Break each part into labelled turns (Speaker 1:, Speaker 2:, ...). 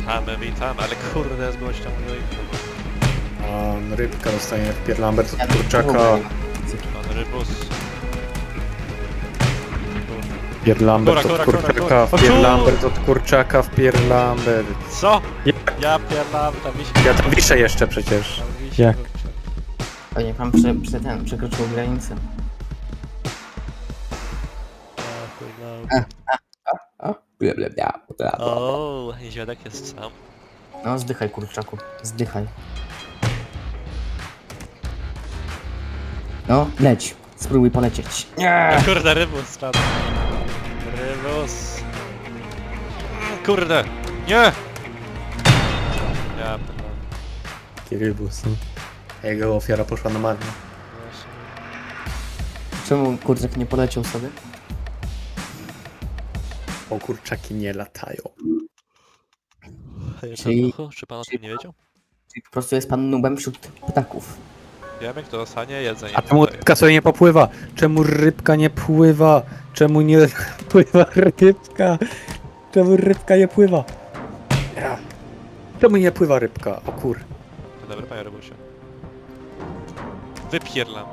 Speaker 1: Witamy, ale kurde, z gością
Speaker 2: A rybka dostanie w Lambert od kurczaka.
Speaker 1: Pan Rybus.
Speaker 2: Lambert od
Speaker 1: Kura.
Speaker 2: kurczaka, Lambert od kurczaka, Lambert.
Speaker 1: Co? Ja pierdam, tam wisi.
Speaker 2: Ja tam wiszę jeszcze przecież.
Speaker 1: Tam wisi,
Speaker 2: Jak?
Speaker 1: kurczę.
Speaker 3: O, niech pan przekroczył granicę.
Speaker 1: O, niedźwiadek jest sam.
Speaker 3: No, zdychaj, kurczaku. Zdychaj. No, leć. Spróbuj polecieć. Nie!
Speaker 1: Kurde, Rybus spadł. Rybus. Kurde, nie! Ja pierdam.
Speaker 2: Rybus. Jego ofiara poszła na marne.
Speaker 3: Czemu kurczak nie poleciał sobie?
Speaker 2: O, kurczaki nie latają.
Speaker 3: Czyli-
Speaker 1: Czy pan o tym nie wiedział?
Speaker 3: Czyli po prostu jest pan nubem wśród ptaków.
Speaker 1: Wiemy, kto dostanie jedzenie.
Speaker 2: A czemu rybka sobie nie popływa? Czemu rybka nie pływa? Czemu nie pływa rybka? Czemu rybka nie pływa? Ja. Czemu nie pływa rybka? O kur...
Speaker 1: Dobry, panie Rybusie. Wypierlam.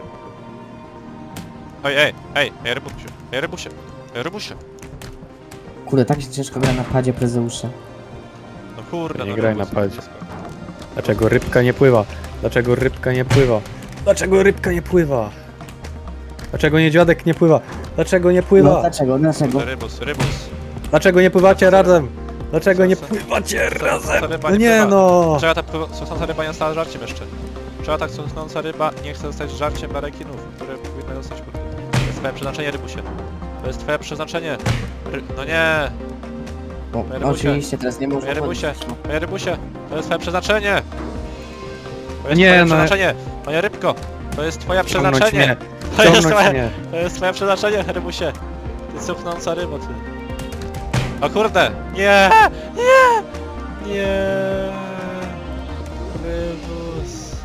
Speaker 1: Ej, Rybusie.
Speaker 3: Kurde, tak się ciężko gra na padzie Prezeusza.
Speaker 1: No kurde,
Speaker 2: Nie
Speaker 1: no
Speaker 2: graj
Speaker 1: Rybus,
Speaker 2: na padzie. Dlaczego rybka nie pływa? Dlaczego rybka nie pływa? Dlaczego rybka nie pływa? Dlaczego niedźwiadek nie pływa? Dlaczego nie
Speaker 3: No
Speaker 2: pływa?
Speaker 3: dlaczego? Dlaczego?
Speaker 1: Rybus.
Speaker 2: Dlaczego nie pływacie razem? Dlaczego nie pływacie razem? No nie no!
Speaker 1: Czego ta sosnąca ryba nie została żarciem jeszcze? Czego ta sosnąca ryba nie chce zostać żarciem dla rekinów, które powinny zostać kurde? To jest twoje przeznaczenie, Rybusie. To jest twoje przeznaczenie. No nie!
Speaker 3: Bo,
Speaker 1: Panie Rybusie.
Speaker 3: oczywiście, teraz nie można
Speaker 1: Panie Rybusie,
Speaker 3: chodzić, no.
Speaker 1: panie Rybusie, to jest twoje przeznaczenie! To jest
Speaker 2: Nie,
Speaker 1: twoje
Speaker 2: no.
Speaker 1: przeznaczenie! Panie Rybko, to jest twoje
Speaker 2: Ciągnąć
Speaker 1: przeznaczenie!
Speaker 2: mnie!
Speaker 1: To jest
Speaker 2: Ciągnąć
Speaker 1: twoje,
Speaker 2: mnie!
Speaker 1: to jest twoje przeznaczenie, Rybusie! Ty cuchnąca rybo, ty. O kurde! Nie! Nie! Rybus!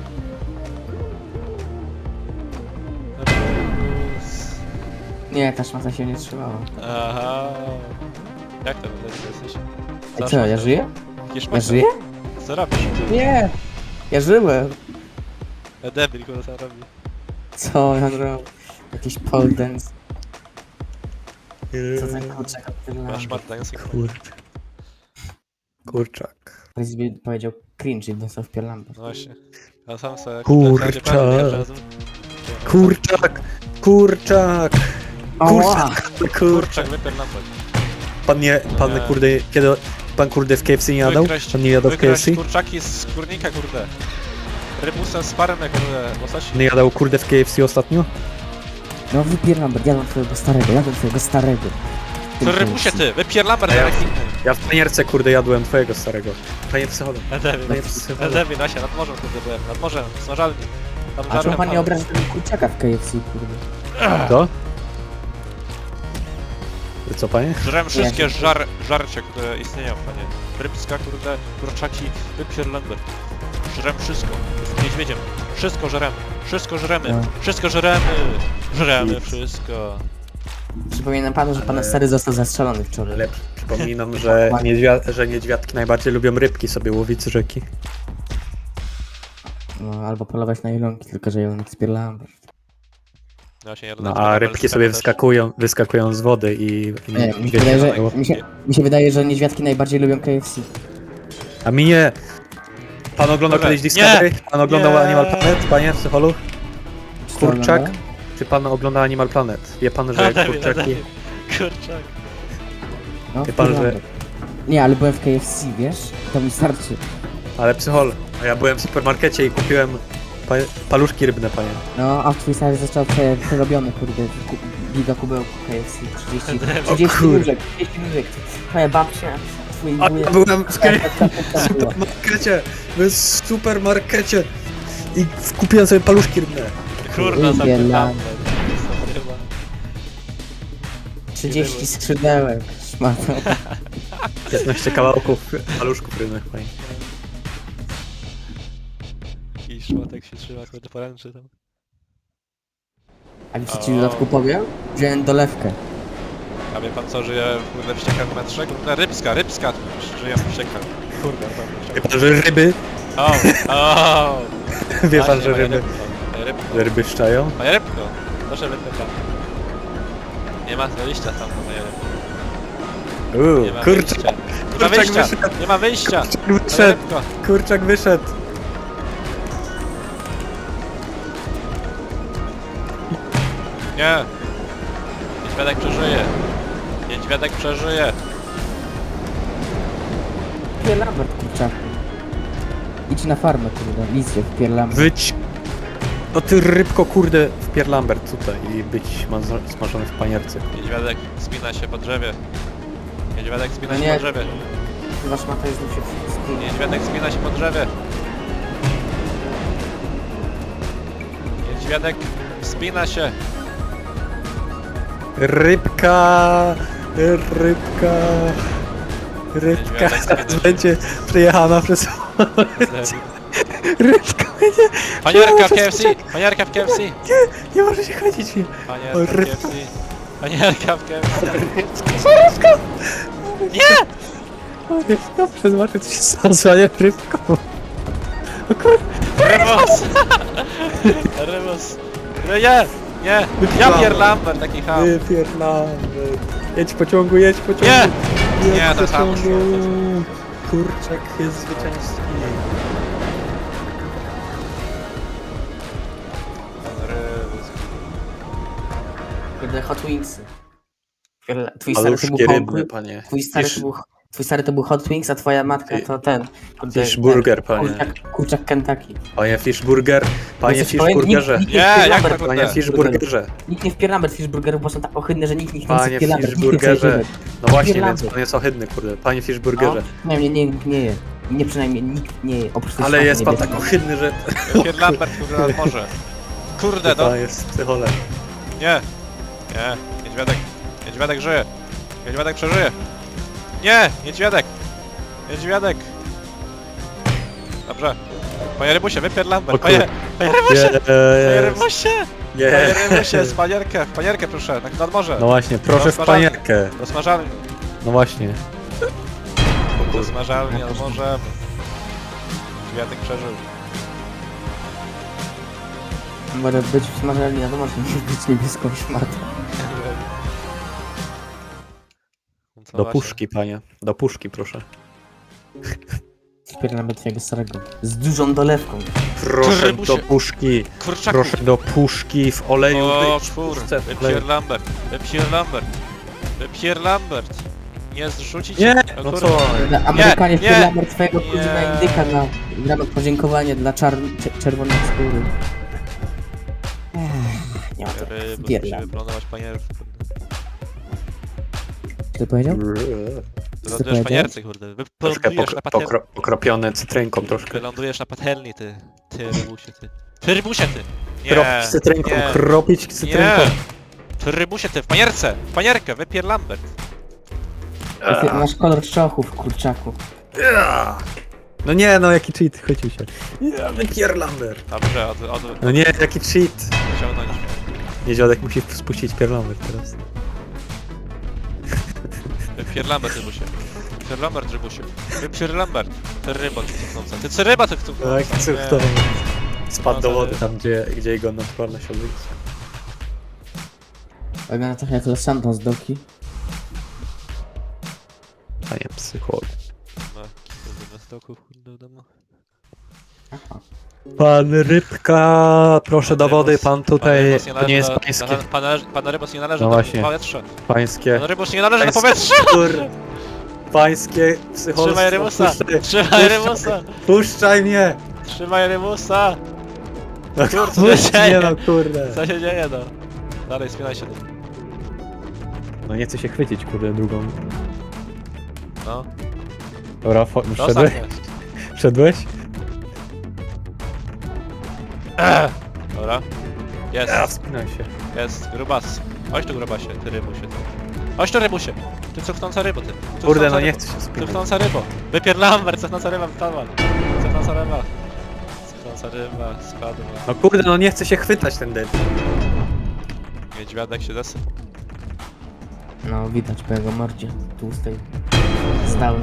Speaker 1: Rybus!
Speaker 3: Nie, ta szmata się nie trzymała.
Speaker 1: Aha! Jak to jesteś?
Speaker 3: A co, ja żyję? Ja żyję?
Speaker 1: Co robisz?
Speaker 3: Nie! Ja żyłem!
Speaker 1: Debil, kurde, co robi?
Speaker 3: Co ja robię? Jakiś pole dance. Co ten kurczak
Speaker 1: Masz
Speaker 3: odpierlam?
Speaker 1: Martański.
Speaker 2: Kurczak.
Speaker 3: Powiedział cringe i dostał w Lambert.
Speaker 1: No właśnie. Ja sam sobie...
Speaker 2: Kurczak. Kurczak! Kurczak!
Speaker 3: Ała!
Speaker 2: Kurczak!
Speaker 1: Kurczak, wypierdolać.
Speaker 2: Pan
Speaker 1: Nie.
Speaker 2: kurde, kiedy pan kurde w KFC nie jadał? Pan nie jadał w KFC?
Speaker 1: Kurczaki z skórnika, kurde. Rybusem z parmy, kurde, łososi.
Speaker 2: Nie jadał kurde w KFC ostatnio?
Speaker 3: No wypier Lambert, jadłem twojego starego.
Speaker 1: To Rybusie ty, wypierlamer
Speaker 2: A ja-
Speaker 1: jak inny.
Speaker 2: Ja w panierce kurde jadłem twojego starego. Panie psycholog.
Speaker 1: Edewi, Nasia, nad morzem kurde byłem, nad morzem, smażalni. Tam
Speaker 3: A czemu
Speaker 1: żarłem
Speaker 3: pan nie
Speaker 1: pan.
Speaker 3: obraża tego kurczaka w KFC, kurde?
Speaker 2: To? Co panie?
Speaker 1: Żrem wszystkie żarcie, które istnieją, panie. Rybska, kurde, kurczaki, wypierlamer. Żrem wszystko, jestem niedźwiedziem. Wszystko żremy, wszystko żremy,
Speaker 3: No.
Speaker 1: wszystko żremy. Żremy
Speaker 2: Nic.
Speaker 1: wszystko.
Speaker 3: Przypominam panu, że pana stary został zastrzelony wczoraj.
Speaker 2: Ale przypominam, że niedźwiadki najbardziej lubią rybki sobie łowić z rzeki.
Speaker 3: No, albo polować na jelonki, tylko że jelonek z Lambert.
Speaker 1: No, właśnie, ja
Speaker 2: No
Speaker 1: dodam,
Speaker 2: a
Speaker 1: że
Speaker 2: rybki
Speaker 1: też.
Speaker 2: sobie wyskakują z wody i
Speaker 3: Nie, mi się
Speaker 2: wiecie,
Speaker 3: wydaje, że,
Speaker 2: było.
Speaker 3: mi się wydaje, że niedźwiadki najbardziej lubią KFC.
Speaker 2: A mi nie! Pan oglądał
Speaker 1: Dobra,
Speaker 2: kiedyś Discovery? Pan oglądał
Speaker 1: Nie.
Speaker 2: Animal Planet, panie psycholog?
Speaker 3: Co
Speaker 2: Kurczak?
Speaker 3: ogląda?
Speaker 2: Czy pan ogląda Animal Planet? Wie pan, że kurczaki...
Speaker 1: Kurczak.
Speaker 3: No,
Speaker 2: Wie pan, że-
Speaker 3: Lambert. Nie, ale byłem w KFC, wiesz? To mi starczy.
Speaker 2: Ale psychol, a ja byłem w supermarkecie i kupiłem paluszki rybne, panie.
Speaker 3: No, a twój stary został przerobiony, kurde, giga kubełku KFC, 30
Speaker 2: kurde.
Speaker 3: nóżek, 30 nóżek. Twoja babcia, twój
Speaker 2: A
Speaker 3: wujek.
Speaker 2: ja byłem w
Speaker 3: Tak,
Speaker 2: supermarkecie, w supermarkecie i kupiłem sobie paluszki rybne.
Speaker 1: Kurna,
Speaker 3: Lubię
Speaker 1: zapytam.
Speaker 3: Lambert. 30 skrzydełek, szmato.
Speaker 2: 15 kawałków paluszków rybnych, panie.
Speaker 1: I szmatek się trzyma, kurde, poręczy tam.
Speaker 3: A wiecie ci w dodatku powiem? Wziąłem dolewkę.
Speaker 1: A wie pan co żyje kurde w ściekach w metrze? Kurde rybska żyje w ściekach. Kurde,
Speaker 2: Wie pan, że ryby?
Speaker 1: o.
Speaker 2: Wie pan,
Speaker 1: Właśnie,
Speaker 2: że
Speaker 1: moje
Speaker 2: ryby?
Speaker 1: rybko, moje rybko.
Speaker 2: Że ryby szczają?
Speaker 1: Moje rybko. Proszę wypytam. Nie ma wyjścia tam do moje rybko. Nie ma
Speaker 2: Kurczak,
Speaker 1: wyjścia. Nie ma
Speaker 2: kurczak
Speaker 1: wyjścia.
Speaker 2: wyszedł.
Speaker 1: Nie ma wyjścia. Moje
Speaker 2: wyszedł.
Speaker 1: rybko.
Speaker 2: Kurczak wyszedł.
Speaker 1: Nie. Niedźwiadek przeżyje. Niedźwiadek przeżyje.
Speaker 3: Pierlambert, kurczaku. Idź na farmę, kurde, listie w Pierlambert.
Speaker 2: Być... No ty rybko, kurde, w Pierlambert tutaj i być smażony w panierce.
Speaker 1: Niedźwiadek spina się po drzewie. Niedźwiadek spina
Speaker 3: No
Speaker 1: się
Speaker 3: nie.
Speaker 1: po drzewie.
Speaker 3: Chyba szmata jest się w
Speaker 1: Niedźwiadek spina się po drzewie. Niedźwiadek spina się.
Speaker 2: Rybka! Rybka! Rybka
Speaker 1: Niedźwiadek
Speaker 2: zaraz
Speaker 1: spina się.
Speaker 2: będzie przejechana przez... Rybka będzie...
Speaker 1: Panierka w KFC! Panierka w KFC!
Speaker 2: Nie może się chodzić mi.
Speaker 1: Panierka
Speaker 2: O,
Speaker 1: w
Speaker 2: rybka.
Speaker 1: KFC! Panierka w KFC!
Speaker 2: Rybka!
Speaker 1: Nie!
Speaker 2: O, rybka, przeznaczyć się zasłania rybką. O kur...
Speaker 1: Rybos! Rybos! Nie! Nie! Ja Pierlambert, taki ham!
Speaker 2: Pierlambert. Jedź pociągu, jedź pociągu.
Speaker 1: Nie!
Speaker 2: Jedź
Speaker 1: Nie, to samo
Speaker 2: pociągu.
Speaker 1: szło,
Speaker 2: Kurczak jest zwycięski.
Speaker 1: Rybos.
Speaker 3: Kurde, Hot Wingsy. Twój stary to
Speaker 2: Paluszki
Speaker 3: był
Speaker 2: rybne, panie.
Speaker 3: Twój stary to był Hot Wings, a twoja matka
Speaker 2: Fi-
Speaker 3: to ten. Kurde,
Speaker 2: Fishburger, panie.
Speaker 3: Kurczak Kentucky.
Speaker 2: Panie Fishburger, panie
Speaker 3: Jesteś powiem,
Speaker 2: Fishburgerze.
Speaker 3: nikt
Speaker 1: Nie,
Speaker 3: w
Speaker 1: jak
Speaker 3: Pierlambert-
Speaker 1: tak
Speaker 2: Panie
Speaker 1: kurde?
Speaker 2: Fishburgerze.
Speaker 3: Nikt nie w Pierlambert Fishburgerów, bo są tak ohydne, że nikt nie chce
Speaker 2: Panie
Speaker 3: w Pierlambert. Nikt nie chce
Speaker 2: Fishburgerze.
Speaker 3: jeść.
Speaker 2: No właśnie, więc
Speaker 3: Pierlambert.
Speaker 2: pan jest ohydny, kurde. Panie Fishburgerze.
Speaker 3: No, nikt nie je. Nie przynajmniej nikt nie je, oprócz tej
Speaker 2: Ale
Speaker 3: szmaty
Speaker 2: jest pan
Speaker 3: niebieskiej.
Speaker 2: tak ohydny, że...
Speaker 1: Pierlambert, kurde, nad morze. Kurde, no!
Speaker 2: Pan jest psycholem.
Speaker 1: Nie! Nie! Niedźwiadek! Niedźwiadek żyje! Niedźwiadek przeżyje! Nie! Niedźwiadek! Niedźwiadek! Dobrze. Panie Rybusie, wypier
Speaker 2: O
Speaker 1: Lambert!
Speaker 2: kurde.
Speaker 1: Panie Rybusie! Panie
Speaker 2: Jest.
Speaker 1: Rybusie! Panie
Speaker 2: Jest.
Speaker 1: Rybusie, z panierkę! W panierkę proszę, nad morze!
Speaker 2: No właśnie, proszę w
Speaker 1: Rozmarzamy.
Speaker 2: panierkę.
Speaker 1: Do smażalni!
Speaker 2: No właśnie.
Speaker 1: Do smażalni nad morzem! Niedźwiadek przeżył.
Speaker 3: Może być w smażalni, wiadomo, że musi być niebieską szmatą.
Speaker 1: Co
Speaker 2: Do
Speaker 1: właśnie?
Speaker 2: puszki, panie. Do puszki, proszę.
Speaker 3: Wspieram twojego starego. Z dużą dolewką.
Speaker 2: Proszę
Speaker 1: Rybusie.
Speaker 2: do puszki.
Speaker 1: Kurczaku!
Speaker 2: Proszę do puszki w oleju.
Speaker 1: O
Speaker 2: być w
Speaker 1: kur...
Speaker 2: puszce w oleju.
Speaker 1: Wypier Lambert! Wypier Lambert! Wypier Lambert! Nie zrzucić...
Speaker 2: Nie,
Speaker 1: O
Speaker 2: no
Speaker 1: kurde.
Speaker 2: co?
Speaker 3: Amerykanie
Speaker 1: nie,
Speaker 3: wpieramy twojego kuzyna
Speaker 1: nie.
Speaker 3: indyka na ramach podziękowania dla czerwonej skóry. Nie ma to.
Speaker 1: Ryby,
Speaker 3: Wpierlam.
Speaker 1: musimy planować panierów.
Speaker 3: Co ty powiedział?
Speaker 1: Wylądujesz w
Speaker 3: powiedział?
Speaker 1: panierce, kurde.
Speaker 2: Troszkę
Speaker 1: Wylądujesz na patelni.
Speaker 2: pokropione cytrynką troszkę.
Speaker 1: Wylądujesz na patelni, ty. Ty rybusie, ty. Ty rybusie, ty. Nie.
Speaker 2: Kropić cytrynką,
Speaker 1: nie,
Speaker 2: kropić cytrynką.
Speaker 1: nie. Ty rybusie, ty. W panierce. W panierkę. Wypier Lambert.
Speaker 3: Masz kolor czochów, kurczaku.
Speaker 2: No nie, no jaki cheat, chwycił się. Ja wypierlamber.
Speaker 1: Dobrze,
Speaker 2: No nie, jaki cheat.
Speaker 1: wyciągnąć.
Speaker 2: Niedźwiadek musi spuścić pierlamber teraz.
Speaker 1: Wypier Lambert, rybusie. Wypier Lambert, rybusie. Wypier Lambert. Ty ryba, ty cuchnąca. Ty cyryba, ty cuchnąca.
Speaker 2: Tak, cóż to. Spadł do
Speaker 1: No to
Speaker 2: wody
Speaker 1: nie.
Speaker 2: tam, gdzie jego naturalność odbyła.
Speaker 3: Wygląda trochę jak Los Santos doki.
Speaker 2: Panie psycholog.
Speaker 1: No, kurde, na stoku, kurde, w domu.
Speaker 2: Pan Rybka, proszę do wody, pan tutaj,
Speaker 1: Rybos
Speaker 2: to nie jest pańskie,
Speaker 1: Pan Rybos nie należy
Speaker 2: No
Speaker 1: na
Speaker 2: właśnie.
Speaker 1: powietrze.
Speaker 2: pańskie,
Speaker 1: Pan Rybos nie należy na
Speaker 2: pańskie,
Speaker 1: powietrze.
Speaker 2: pańskie psycholstwo.
Speaker 1: Trzymaj Rybusa!
Speaker 2: Puszczaj-
Speaker 1: Trzymaj Rybusa!
Speaker 2: Puszczaj mnie!
Speaker 1: Trzymaj Rybusa!
Speaker 2: No
Speaker 1: Kurde, co
Speaker 2: puść
Speaker 1: się
Speaker 2: mnie,
Speaker 1: dzieje?
Speaker 2: no kurde.
Speaker 1: Co się dzieje, no? Dalej, spinaj się.
Speaker 2: No nie chcę się chwycić, kurde, drugą.
Speaker 1: No.
Speaker 2: Dobra, wszedłeś?
Speaker 1: Zostaw mnie.
Speaker 2: Wszedłeś?
Speaker 1: Dobra. Jest,
Speaker 2: Wspinaj się.
Speaker 1: jest. Grubas. Chodź tu, grubasie, ty rybusie. Ty. Chodź tu, rybusie. Ty cuchnąca rybo, ty.
Speaker 2: Kurde,
Speaker 1: Cuchnąca
Speaker 2: no nie
Speaker 1: rybo.
Speaker 2: chcę się spinać.
Speaker 1: Cuchnąca rybo. Wypier Lambert, cuchnąca ryba, wpadła. Cuchnąca ryba. Cuchnąca ryba, spadła.
Speaker 2: No kurde, no nie chcę się chwytać ten debil.
Speaker 1: Niedźwiadek się zasyp.
Speaker 3: No, widać po jego mordzie tłustej. Zdalny.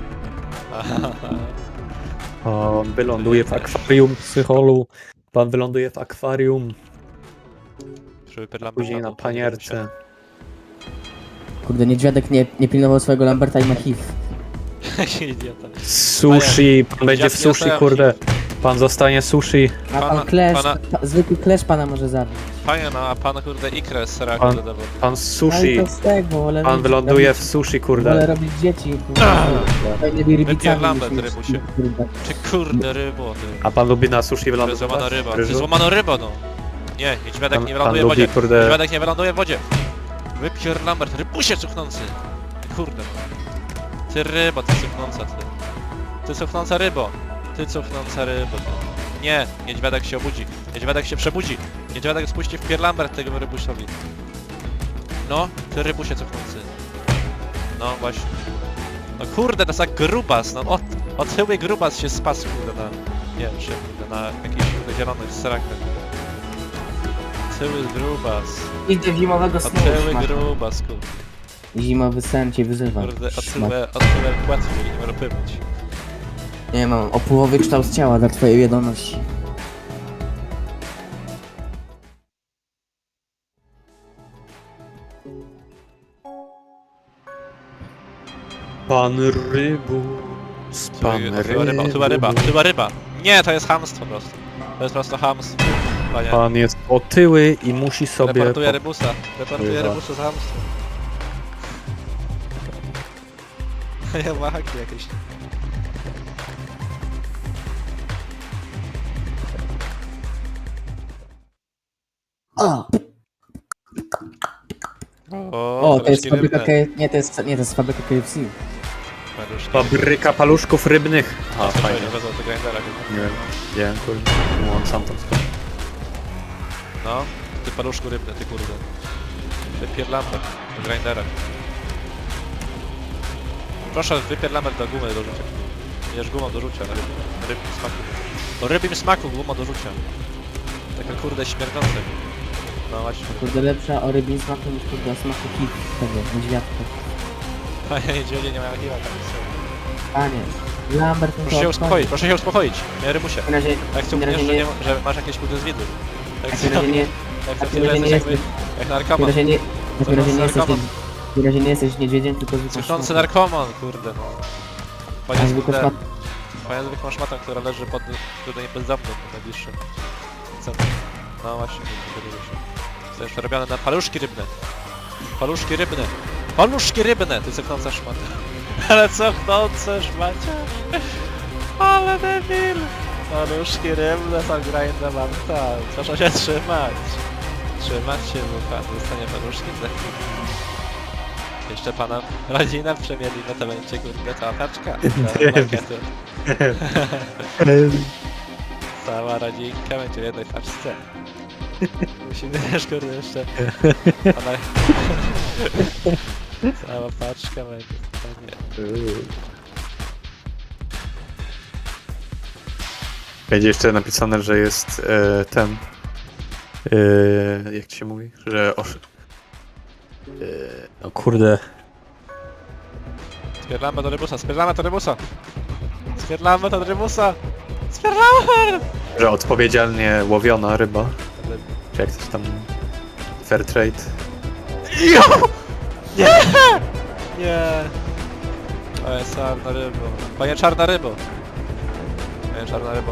Speaker 2: Pan wyląduje w akwarium, psycholu. Pan wyląduje w akwarium. Później na panierce.
Speaker 3: Kurde, niedźwiadek nie pilnował swojego Lamberta i ma HIV.
Speaker 1: Idiota.
Speaker 2: Sushi, pan będzie w
Speaker 1: dziadki
Speaker 2: sushi,
Speaker 1: dostają
Speaker 2: kurde. Pan zostanie sushi.
Speaker 3: A
Speaker 1: Pana-
Speaker 3: pan Clash,
Speaker 1: pana-
Speaker 3: zwykły Clash pana może zabić.
Speaker 1: Panie, no a pan kurde ikrę z seraku
Speaker 2: Pan-
Speaker 1: dodawał.
Speaker 2: Pan
Speaker 3: No i
Speaker 2: sushi.
Speaker 3: to z tego, wolę
Speaker 2: Pan
Speaker 3: robić-
Speaker 2: wyląduje w
Speaker 3: robić-
Speaker 2: sushi,
Speaker 3: Wolę
Speaker 2: kurde.
Speaker 3: robić dzieci, fajnymi
Speaker 1: Wypier
Speaker 3: rybicami.
Speaker 1: Lambert,
Speaker 3: niż-
Speaker 1: rybusie.
Speaker 3: kurde.
Speaker 1: Czy kurde rybo, ty.
Speaker 2: A pan lubi na sushi
Speaker 1: To jest
Speaker 2: wylądować?
Speaker 1: złamana ryba. To
Speaker 2: Ryżu?
Speaker 1: jest złamana ryba, no. Nie, niedźwiadek
Speaker 2: Pan-
Speaker 1: nie
Speaker 2: pan
Speaker 1: wyląduje w
Speaker 2: lubi,
Speaker 1: wodzie.
Speaker 2: kurde-
Speaker 1: Niedźwiadek nie wyląduje w wodzie. Wypier Lambert, rybusie cuchnący. Kurde. Ty rybo, ty cuchnąca, ty. Ty cuchnąca rybo. Ty cuchnąca rybo. Nie, niedźwiadek się obudzi. Niedźwiadek się przebudzi. Niedźwiadek spuści w pier Lambert tego rybusowi. No, ty rybusie cuchnący. No właśnie. No kurde, to jest jak grubas, no otyły grubas się spasł, kurde, na... Nie wiem, czy kurde, na jakichś kurde zielonych serakach. Otyły grubas.
Speaker 3: Idę w zimowego snu.
Speaker 1: Otyły
Speaker 3: szmato.
Speaker 1: grubas, kurde.
Speaker 3: Zimowy sen cię wyzywa.
Speaker 1: Kurde,
Speaker 3: Szmat.
Speaker 1: otyłe płatki, nie może pływać.
Speaker 3: Nie mam opływowy kształt ciała dla twojej wiadomości.
Speaker 2: Pan rybus, pan
Speaker 1: Otyła ryba, otyła ryba. Nie, to jest chamstwo po prostu. To jest po prostu chamstwo. Panie,
Speaker 2: Pan jest otyły i musi sobie...
Speaker 1: reportuję rybusa. Reportuję
Speaker 2: Ryba.
Speaker 1: rybusa z chamstwem. Ja ma haki jakieś.
Speaker 3: O,
Speaker 1: O,
Speaker 3: to jest
Speaker 1: paluszki
Speaker 3: fabryka
Speaker 1: rybne.
Speaker 3: Nie, to jest fabryka KFC.
Speaker 1: Paluszki.
Speaker 2: Fabryka paluszków rybnych. A, fajnie.
Speaker 1: Bez tego grindera chyba.
Speaker 2: Nie wiem, kurde. On sam tam stoi.
Speaker 1: No, ty paluszku rybny, ty kurde. Wypier lampę do grindera. Proszę, wypier lampę do gumy do rzucia. Bierz gumą do rzucia, na rybim smaku. O rybim smaku guma do rzucia. Taka kurde śmierdząca. No właśnie.
Speaker 3: Kurde, lepsza o rybim smaku niż kurde o smaku HIV tego, niedźwiadka.
Speaker 1: Panie niedźwiedzie nie mają hiła tam.
Speaker 3: Panie, Lambert...
Speaker 1: Proszę się uspokoić, proszę się uspokoić. Nie rybusie.
Speaker 3: W razie,
Speaker 1: Jak
Speaker 3: w
Speaker 1: ciągniesz,
Speaker 3: razie
Speaker 1: że,
Speaker 3: nie,
Speaker 1: nie, że masz jakieś kurde zwidy. Jak
Speaker 3: w razie nie,
Speaker 1: jak
Speaker 3: w
Speaker 1: chcesz,
Speaker 3: razie
Speaker 1: że
Speaker 3: nie
Speaker 1: jesteś
Speaker 3: jesteś,
Speaker 1: jak
Speaker 3: w
Speaker 1: narkoman.
Speaker 3: razie nie, w razie nie jesteś,
Speaker 1: narkoman.
Speaker 3: w razie nie jesteś niedźwiedziem, tylko zwykłym
Speaker 1: Cuchnący
Speaker 3: szmatem.
Speaker 1: narkoman, kurde no.
Speaker 3: A
Speaker 1: Panie
Speaker 3: zwykły
Speaker 1: kurde,
Speaker 3: szmat...
Speaker 1: panie zwykłą szmatą, która leży pod tutaj bezdomnym w najbliższym centrum. No właśnie, kurde, się. To jeszcze robione na paluszki rybne. Paluszki rybne. Paluszki rybne, ty cuchnąca szmata. Ale cuchnące szmacia. Ale debil. Paluszki rybne są grinda mam tam. Proszę się trzymać. Trzymać się, bo pan dostanie paluszki za chwilę. Jeszcze pana rodzinę przemieli, no to będzie kurde cała paczka. Cała pakiety. Cała rodzinka będzie w jednej paczce. Musimy też kurde jeszcze... Pana... Cała paczka będzie. Panie.
Speaker 2: Będzie jeszcze napisane, że jest ten... jak to się mówi? Że... no kurde...
Speaker 1: Spierlamy do rybusa, spierlamy do rybusa! Spierlamy do rybusa! Spierlamy!
Speaker 2: Że odpowiedzialnie łowiona ryba. Czy jak coś tam... Fair trade.
Speaker 1: Jo! Nie! Nie! O, jest czarna rybo. Panie czarna rybo! Panie czarna rybo.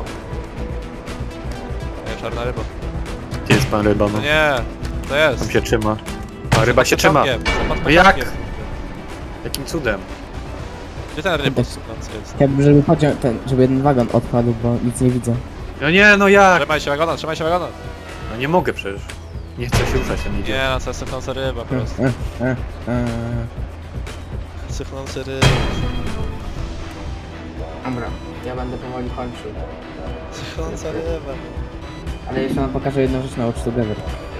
Speaker 1: Panie czarna rybo.
Speaker 2: Gdzie jest pan ryba, no?
Speaker 1: No nie! To jest!
Speaker 2: Tam się trzyma. A ryba się trzyma.
Speaker 1: No
Speaker 2: jak? Jakim cudem?
Speaker 1: Gdzie ten rybus cuchnący jest?
Speaker 3: Chciałbym, żeby pociąg, żeby jeden wagon odpadł, bo nic nie widzę.
Speaker 2: No nie, no jak?
Speaker 1: Trzymaj się wagona, trzymaj się wagona!
Speaker 2: No nie mogę przecież. Nie chcę się ruszać, tam idzie.
Speaker 1: Nie no, to jest sychnąca ryba po prostu. Sychnący ryba.
Speaker 3: Dobra, ja będę powoli kończył.
Speaker 1: Sychnąca ryba.
Speaker 3: Ale jeszcze wam pokażę jedną rzecz na Watch Together.